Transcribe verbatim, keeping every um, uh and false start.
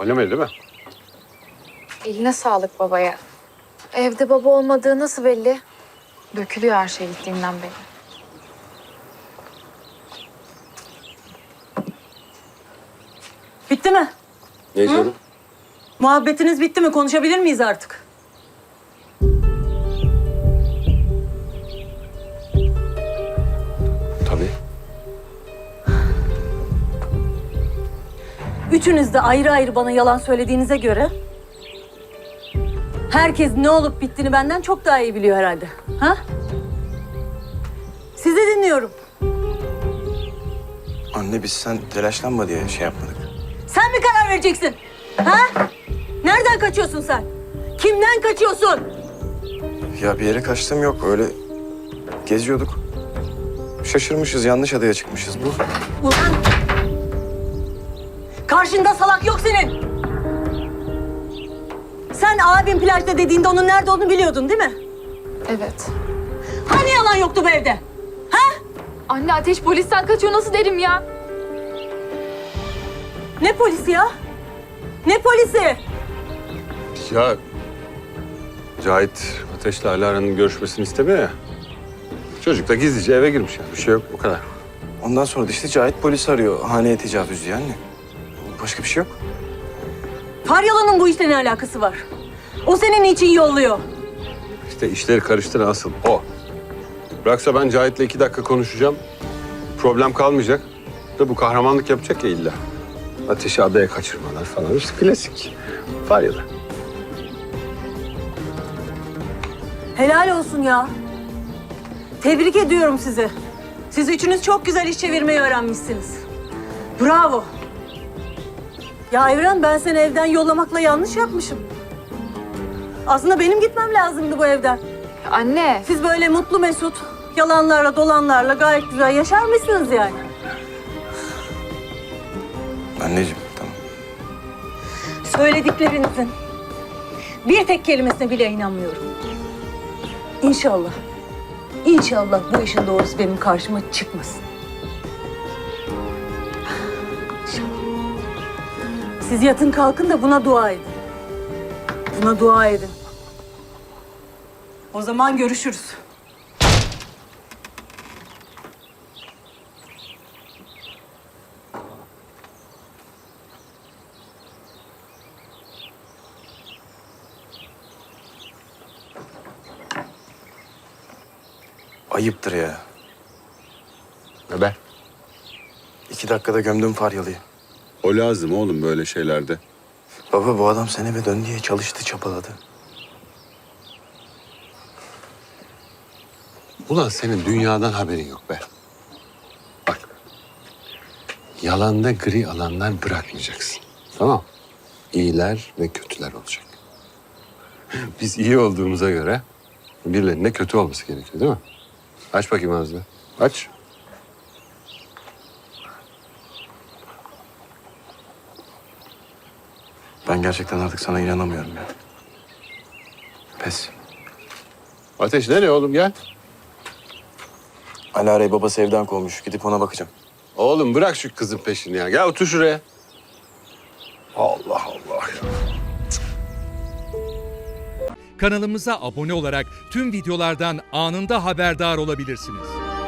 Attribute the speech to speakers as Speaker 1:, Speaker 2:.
Speaker 1: Söylemedi değil mi?
Speaker 2: Eline sağlık babaya. Evde baba olmadığı nasıl belli? Dökülüyor her şey gittiğinden beri.
Speaker 3: Bitti mi?
Speaker 1: Ne sorun?
Speaker 3: Muhabbetiniz bitti mi? Konuşabilir miyiz artık?
Speaker 1: Tabii.
Speaker 3: Üçünüz de ayrı ayrı bana yalan söylediğinize göre... herkes ne olup bittiğini benden çok daha iyi biliyor herhalde. Ha? Sizi dinliyorum.
Speaker 4: Anne biz sen telaşlanma diye şey yapmadık.
Speaker 3: Sen mi karar vereceksin? Ha? Nereden kaçıyorsun sen? Kimden kaçıyorsun?
Speaker 4: Ya bir yere kaçtığım yok. Öyle geziyorduk. Şaşırmışız, yanlış adaya çıkmışız. Bu
Speaker 3: Ulan! Karşında salak yok senin. Sen abim plajda dediğinde onun nerede olduğunu biliyordun değil mi?
Speaker 2: Evet.
Speaker 3: Hani yalan yoktu bu evde? Ha?
Speaker 2: Anne Ateş polisten kaçıyor nasıl derim ya?
Speaker 3: Ne polisi ya? Ne polisi?
Speaker 1: Ya Cahit Ateş'le Alara'nın görüşmesini istemiyor ya. Çocuk da gizlice eve girmiş yani. Bir şey yok, o kadar.
Speaker 4: ondan sonra da işte Cahit polis arıyor. Haneye tecavüz diye anne. Başka bir şey yok.
Speaker 3: Faryalı'nın bu işle ne alakası var? O senin için yolluyor.
Speaker 1: İşte işleri karıştıran asıl o. Bıraksa ben Cahit'le iki dakika konuşacağım. Problem kalmayacak. Da bu kahramanlık yapacak ya illa. Ateşi adaya kaçırmalar falan. İşte klasik. Faryalı.
Speaker 3: Helal olsun ya. Tebrik ediyorum sizi. Siz üçünüz çok güzel iş çevirmeyi öğrenmişsiniz. Bravo. Ya Evren, ben seni evden yollamakla yanlış yapmışım. Aslında benim gitmem lazımdı bu evden.
Speaker 2: Anne.
Speaker 3: Siz böyle mutlu mesut, yalanlarla dolanlarla gayet güzel yaşar mısınız yani?
Speaker 4: Anneciğim tamam.
Speaker 3: Söylediklerinizin bir tek kelimesine bile inanmıyorum. İnşallah, inşallah bu işin doğrusu benim karşıma çıkmasın. Siz yatın kalkın da buna dua edin. Buna dua edin. O zaman görüşürüz.
Speaker 4: Ayıptır ya.
Speaker 1: Haber?
Speaker 4: İki dakikada gömdüm Faryalı'yı.
Speaker 1: O lazım oğlum böyle şeylerde.
Speaker 4: Baba bu adam sen eve dön diye çalıştı, çapaladı.
Speaker 1: Ulan senin dünyadan haberin yok be. Bak. Yalanda gri alanlar bırakmayacaksın. Tamam. İyiler ve kötüler olacak. Biz iyi olduğumuza göre birilerinin de kötü olması gerekiyor değil mi? Aç bakayım ağzını. Aç.
Speaker 4: Ben gerçekten artık sana inanamıyorum ya. Pes.
Speaker 1: Ateş nereye oğlum gel.
Speaker 4: Alara'yı babası evden kovmuş. Gidip ona bakacağım.
Speaker 1: Oğlum bırak şu kızın peşini ya. Gel otur şuraya. Allah Allah ya.
Speaker 5: Kanalımıza abone olarak tüm videolardan anında haberdar olabilirsiniz.